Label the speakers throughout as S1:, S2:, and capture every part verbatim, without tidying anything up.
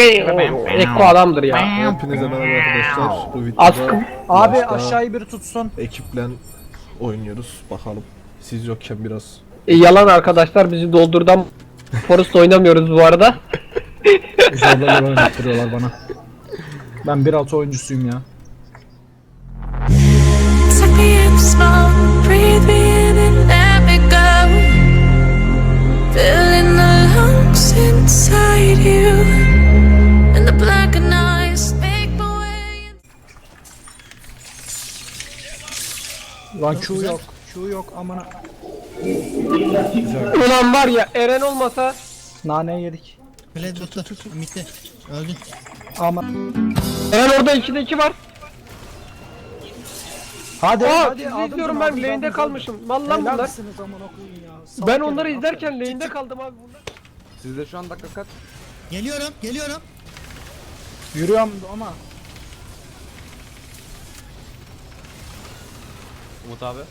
S1: Ekko adamdır ya.
S2: Hepinize merhaba arkadaşlar. Bu
S1: Askım.
S2: videoda
S3: Abi
S2: maçta
S3: aşağıyı bir tutsun.
S2: ekiple oynuyoruz. Bakalım. Siz yokken biraz.
S1: E, yalan arkadaşlar, bizi doldurdan Forest oynamıyoruz bu arada.
S3: Zorbalar oynattırıyorlar bana. Ben bir altı oyuncusuyum ya.
S4: Suck me in smoke, breathe me in and let me go. Filling the lungs inside you, and the blackened eyes make my way.
S3: Lan Q yok. Q yok amına.
S1: Ulan var ya, Eren olmasa
S3: Nane yedik.
S5: Play tuttu. Bitti. Öldü.
S3: Ama.
S1: Eren orada ikide iki var.
S3: Hadi
S1: Aa,
S3: hadi.
S1: sizi
S3: aldınız,
S1: izliyorum,
S3: aldınız,
S1: ben lane'de
S3: aldınız,
S1: kalmışım.
S3: aldınız.
S1: Vallahi
S3: Helal
S1: bunlar.
S3: misiniz amına koyayım ya. Salak
S1: Ben
S3: herif,
S1: onları
S3: aferin.
S1: izlerken lane'de kaldım abi bunlar.
S6: Sizde şu an dakika kaç?
S5: Geliyorum, geliyorum.
S3: Yürüyorum ama.
S6: Umut abi.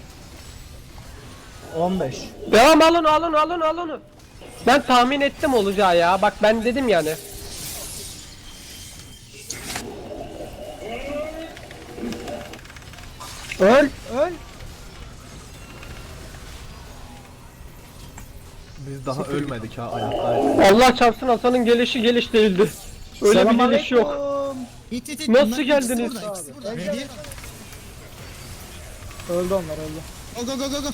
S3: on beş.
S1: Devam, alın alın alın alın. Ben tahmin ettim olacağı ya. Bak ben dedim yani.
S3: Öl öl.
S2: Biz daha ölmedik ha, ayaktayız.
S1: Allah çarpsın, Hasan'ın gelişi geliş değildi. Öyle bir geliş yok.
S3: Selamünaleyküm.
S5: İt it it.
S1: Nasıl
S5: Bunlar
S1: geldiniz?
S5: ikisi burada, ikisi burada. Ready?
S3: Öldü onlar öldü.
S5: Go go go go go.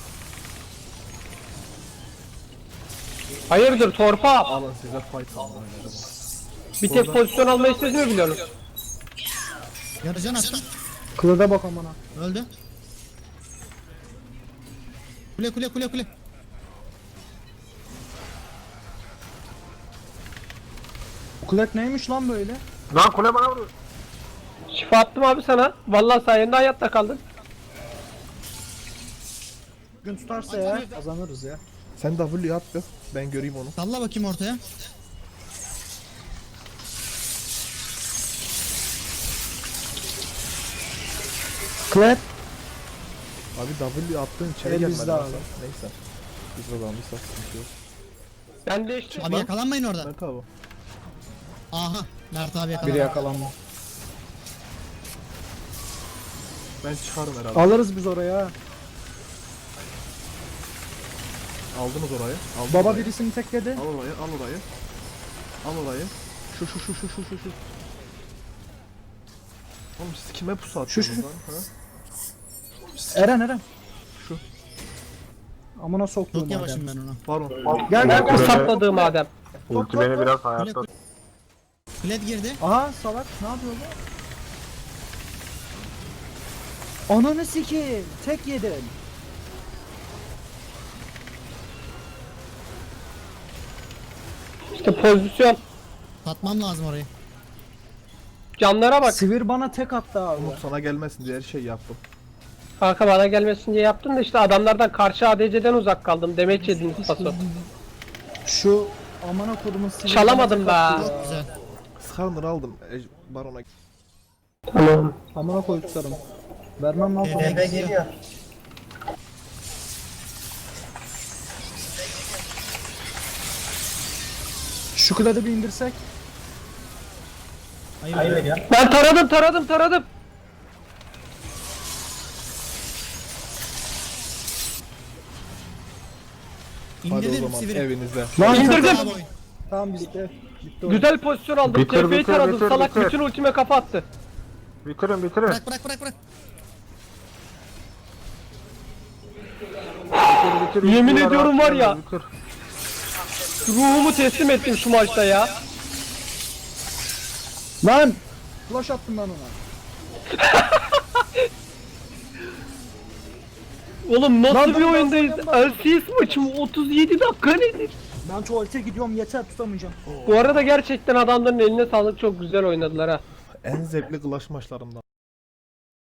S1: Hayırdır torpa?
S2: Alın size fight alın oynadım.
S1: Bir tek pozisyon almayı siz mi biliyorsunuz?
S5: Yarıcan attım.
S3: Kılıda bak amına.
S5: Öldü. Kule kule kule kule.
S3: Kulak neymiş lan böyle?
S1: Lan kule bana vurur. Şifa attım abi sana. Vallahi sayende hayatta kaldın.
S3: Gün tutarsa ya kazanırız ya.
S2: Sen W at be. Ben göreyim onu.
S5: Salla bakayım ortaya.
S3: Klep.
S2: Abi W attığın içeri
S3: Elimizde
S2: gelmedi.
S3: abi.
S2: Hasan. Neyse. Biz kazanmışsak sıkıntı yok.
S1: Ben de işte.
S5: Abi yakalanmayın orada.
S2: Mert abi.
S5: Aha. Mert abi
S3: Biri
S5: yakalandı.
S3: yakalanma.
S2: Ben çıkarım herhalde.
S3: Alırız biz oraya.
S2: Aldınız orayı. Aldınız
S3: Baba
S2: orayı.
S3: birisini tekledi.
S2: Al orayı, al orayı. Al orayı. Şu şu şu şu şu şu şu. Oğlum siz kime pusu atıyorsunuz
S3: şu.
S2: lan? Ha?
S3: Eren Eren.
S2: Şu.
S3: Amına soktum
S5: Çok yavaşım ben ona.
S2: Baron.
S3: Gel gel
S1: Bu
S3: gel.
S1: sapladığı madem.
S3: Ulti beni biraz.
S5: Kule kule. Kled girdi.
S3: Aha salak ne yapıyor bu? Ananı sikeyim. Tek yedim.
S1: İşte pozisyon.
S5: Satmam lazım orayı.
S1: Canlara bak.
S3: Sivir bana tek attı abi.
S2: Umut sana gelmesin diye her şey yaptım.
S1: Kanka bana gelmesin diye yaptın da işte adamlardan karşı A D C'den uzak kaldım. Demet yediniz paso.
S3: Şu amına kodumun sivir
S1: Çalamadım
S3: bana tek
S1: be.
S3: attı ya.
S5: Çok güzel.
S2: Skarner aldım. E, Baron'a.
S1: Tamam.
S3: Amına koyduklarım. Vermem lan falan.
S5: Eve geliyor.
S3: Şu kladı bir indirsek.
S5: Hayır, Hayır ya.
S1: Ben taradım taradım taradım.
S2: Hadi o
S5: İndirdim
S2: zaman
S5: sivri.
S2: evinize.
S3: Lan
S1: İndirdim.
S5: Bravo oyun.
S3: Tamam bitti. Bitti o.
S1: Güzel pozisyon aldım. T P'yi taradım. Salak bütün ultime kafa attı.
S6: Bitirin bitirin.
S5: Bırak bırak bırak bırak.
S6: bitir, bitir,
S1: Yemin
S6: bitir,
S1: ediyorum var ya.
S6: bitir.
S1: Ruhumu teslim ettim şu maçta ya.
S3: Lan! Flash attım ben ona.
S1: Oğlum nasıl
S3: Lan
S1: bir
S3: ben
S1: oyundayız?
S3: bahsediyorum
S1: L C S maçı mı? otuz yedi dakika nedir?
S3: Ben tuvalete gidiyorum yeter tutamayacağım.
S1: Bu arada gerçekten adamların eline sağlık, çok güzel oynadılar ha.
S2: En zevkli Clash maçlarımdan.